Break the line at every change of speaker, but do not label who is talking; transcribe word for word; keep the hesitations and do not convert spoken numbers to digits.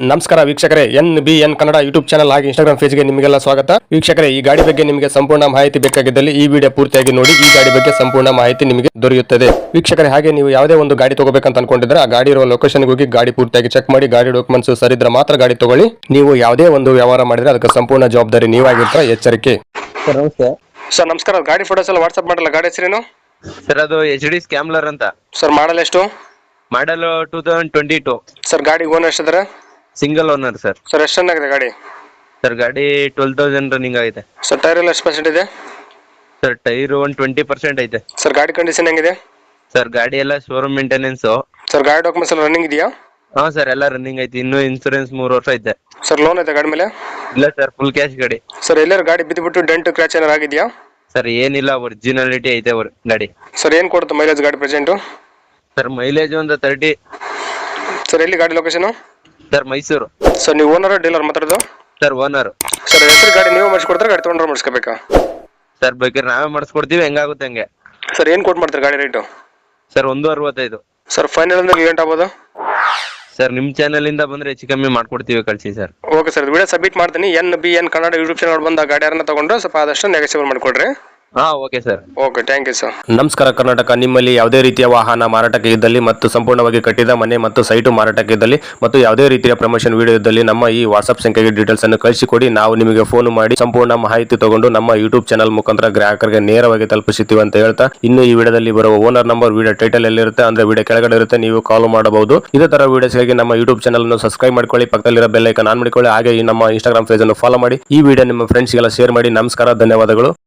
ನಮಸ್ಕಾರ ವೀಕ್ಷಕರೇ, N B N Kannada YouTube channel ಹಾಗೆ ಇನ್ಸ್ಟಾಗ್ರಾಮ್ ಪೇಜ್ಗೆ ನಿಮಗೆಲ್ಲ ಸ್ವಾಗತ. ವೀಕ್ಷಕರೇ, ಈ ಗಾಡಿ ಬಗ್ಗೆ ನಿಮಗೆ ಸಂಪೂರ್ಣ ಮಾಹಿತಿ ಬೇಕಾಗಿದ್ದಲ್ಲಿ ಈ ವಿಡಿಯೋ ಪೂರ್ತಿಯಾಗಿ ನೋಡಿ. ಈ ಗಾಡಿ ಬಗ್ಗೆ ಸಂಪೂರ್ಣ ಮಾಹಿತಿ ನಿಮಗೆ ದೊರೆಯುತ್ತದೆ. ವೀಕ್ಷಕರೇ, ಹಾಗೆ ನೀವು ಯಾವುದೇ ಒಂದು ಗಾಡಿ ತಗೋಬೇಕಂತ ಅನ್ಕೊಂಡಿದ್ರೆ ಆ ಗಾಡಿ ಇರುವ ಲೊಕೇಶನ್ಗೆ ಹೋಗಿ ಗಾಡಿ ಪೂರ್ತಿಯಾಗಿ ಚೆಕ್ ಮಾಡಿ ಗಾಡಿ ಡಾಕ್ಯುಮೆಂಟ್ಸ್ ಸರಿದ್ರೆ ಮಾತ್ರ ಗಾಡಿ ತಗೊಳ್ಳಿ. ನೀವು ಯಾವುದೇ ಒಂದು ವ್ಯವಹಾರ ಮಾಡಿದ್ರೆ ಅದಕ್ಕೆ ಸಂಪೂರ್ಣ ಜವಾಬ್ದಾರಿ ನೀವಾಗಿರ್ತೀರ, ಎಚ್ಚರಿಕೆ.
ಸರ್ ನಮಸ್ತೆ.
ಸರ್ ನಮಸ್ಕಾರ. ಗಾಡಿ ಫೋಟೋಸ್ ಎಲ್ಲ ವಾಟ್ಸ್ಆಪ್ ಮಾಡಲ್ಲ. ಗಾಡಿ ಹೆಸರೇನು
ಸರ್ ಅದು ಎಚ್ ಡಿ ಸ್ಕ್ಯಾಮ್ಲರ್ ಅಂತ.
ಸರ್ ಮಾಡಲ್ ಎಷ್ಟು?
Model two thousand twenty two.
Sir ಗಾಡಿ ಓನರ್ ಎಷ್ಟಿದ್ದಾರೆ?
Single owner sir.
ಸರ್ ಎಷ್ಟು ಚೆನ್ನಾಗಿದೆ ಗಾಡಿ?
ಸರ್ ಗಾಡಿ ಟ್ವೆಲ್ ತೌಸಂಡ್ ರನ್ನಿಂಗ್ ಆಗಿದೆ.
ಸರ್ ಟೈರ್ ಎಲ್ಲ ಎಷ್ಟು ಪರ್ಸೆಂಟ್ ಇದೆ?
Sir tyre one twenty percent ಐತೆ.
ಸರ್ ಗಾಡಿ ಕಂಡೀಷನ್ ಹೆಂಗಿದೆ?
ಸರ್ ಗಾಡಿ ಎಲ್ಲ ಶೋರೂಮ್ ಮೇಂಟೆನೆನ್ಸ್.
ಸರ್ ಗಾಡಿ ಡಾಕ್ಯುಮೆಂಟ್ಸ್ ಎಲ್ಲ ರನ್ನಿಂಗ್ ಇದೆಯಾ?
ಹಾ ಸರ್ ಎಲ್ಲ ರನ್ನಿಂಗ್ ಐತಿ. ಇನ್ನು ಇನ್ಸೂರೆನ್ಸ್ ಮೂರು ವರ್ಷ ಐತೆ.
ಸರ್ ಲೋನ್ ಐತೆ ಗಾಡಿ ಮೇಲೆ?
ಇಲ್ಲ ಸರ್, ಫುಲ್ ಕ್ಯಾಶ್ ಗಾಡಿ.
ಸರ್ ಎಲ್ಲರೂ ಗಾಡಿ ಬಿದ್ದುಬಿಟ್ಟು ಡೆಂಟ್ ಕ್ರ್ಯಾಚ್ ಏನಾರು ಆಗಿದೆಯಾ?
ಸರ್ ಏನಿಲ್ಲ, ಒರಿಜಿನಾಲಿಟಿ ಐತೆ ಅವ್ರ ಗಾಡಿ.
ಸರ್ ಏನು ಕೊಡುತ್ತೆ ಮೈಲೇಜ್ ಗಾಡಿ ಪ್ರೆಸೆಂಟು?
ಸರ್ ಮೈಲೇಜ್ ಒಂದು ತರ್ಟಿ.
ಸರ್ ಎಲ್ಲಿ ಗಾಡಿ ಲೊಕೇಶನ್?
ಸರ್ ಮೈಸೂರು.
ಸರ್ ನೀವು ಓನರ್ ಡೀಲರ್ ಮಾತಾಡೋದು?
Sir owner.
ಸರ್ ಹೆಸರು ಗಾಡಿ ನೀವು ಮಾಡಿಸ್ಕೊಡ್ತಾರೆ, ಗಾಡಿ ತೊಗೊಂಡ್ರೆ ಮಾಡಿಸ್ಕೋಬೇಕಾ?
ಸರ್ ಬೇಕಾದ್ರೆ ನಾವೇ ಮಾಡಿಸ್ಕೊಡ್ತೀವಿ, ಹೆಂಗಾಗುತ್ತೆ ಹಂಗೆ.
ಸರ್ ಏನು ಕೊಟ್ಟು ಮಾಡ್ತಾರೆ ಗಾಡಿ ರೇಟು?
ಸರ್ ಒಂದು ಅರವತ್ತೈದು.
ಸರ್ ಫೈನಲ್ ಅಂದ್ರೆ ಲೇಟ್ ಆಗ್ಬೋದು?
ಸರ್ ನಿಮ್ಮ ಚಾನಲ್ ಇಂದ ಬಂದ್ರೆ ಹೆಚ್ಚು ಕಮ್ಮಿ ಮಾಡ್ಕೊಡ್ತೀವಿ, ಕಳಿಸಿ sir.
Okay sir, video submit ಮಾಡ್ತೀನಿ. N B N Kannada YouTube channel ಬಂದ ಗಾಡಿ ಯಾರನ್ನ ತಗೊಂಡ್ರೆ ಸ್ವಲ್ಪ ಆದಷ್ಟು ನೆಗೆಸಿಬಲ್ ಮಾಡಿಕೊಡ್ರಿ.
ಹಾ okay sir.
Okay, thank you sir. ನಮಸ್ಕಾರ ಕರ್ನಾಟಕ. ನಿಮ್ಮಲ್ಲಿ ಯಾವುದೇ ರೀತಿಯ ವಾಹನ ಮಾರಾಟಕ್ಕೆ ಇದ್ದಲ್ಲಿ ಮತ್ತು ಸಂಪೂರ್ಣವಾಗಿ ಕಟ್ಟಿದ ಮನೆ ಮತ್ತು ಸೈಟು ಮಾರಾಟಕ್ಕೆ ಇದ್ದಲ್ಲಿ ಮತ್ತು ಯಾವುದೇ ರೀತಿಯ ಪ್ರಮೋಷನ್ ವಿಡಿಯೋ ಇದ್ದಲ್ಲಿ ನಮ್ಮ ಈ ವಾಟ್ಸ್ಆಪ್ ಸಂಖ್ಯೆಗೆ ಡೀಟೇಲ್ಸ್ ಅನ್ನು ಕಳಿಸಿಕೊಡಿ. ನಾವು ನಿಮಗೆ ಫೋನ್ ಮಾಡಿ ಸಂಪೂರ್ಣ ಮಾಹಿತಿ ತಗೊಂಡು ನಮ್ಮ ಯೂಟ್ಯೂಬ್ ಚಾನಲ್ ಮುಖಾಂತರ ಗ್ರಾಹಕರಿಗೆ ನೇರವಾಗಿ ತಲುಪಿಸುತ್ತೀವಿ ಅಂತ ಹೇಳ್ತಾ, ಇನ್ನು ಈ ವಿಡಿಯೋದಲ್ಲಿ ಬರುವ ಓನರ್ ನಂಬರ್ ವಿಡಿಯೋ ಟೈಟಲ್ ಎಲ್ಲಿರುತ್ತೆ ಅಂದ್ರೆ ವಿಡಿಯೋ ಕೆಳಗಡೆ ಇರುತ್ತೆ, ನೀವು ಕಾಲ್ ಮಾಡಬಹುದು. ಇದೇ ತರ ವಿಡಿಯೋಸ್ಗಾಗಿ ನಮ್ಮ ಯೂಟ್ಯೂಬ್ ಚಾನಲ್ ಅನ್ನು ಸಬ್ಸ್ಕ್ರೈಬ್ ಮಾಡ್ಕೊಳ್ಳಿ, ಪಕ್ಕದಲ್ಲಿರೋ ಬೆಲ್ ಐಕಾನ್ ಆನ್ ಮಾಡಿಕೊಳ್ಳಿ. ಹಾಗೆ ಈ ನಮ್ಮ ಇನ್ಸ್ಟಾಗ್ರಾಮ್ ಪೇಜ್ ಅನ್ನು ಫಾಲೋ ಮಾಡಿ. ಈ ವಿಡಿಯೋ ನಿಮ್ಮ ಫ್ರೆಂಡ್ಸ್ಗೆಲ್ಲ ಶೇರ್ ಮಾಡಿ. ನಮಸ್ಕಾರ, ಧನ್ಯವಾದಗಳು.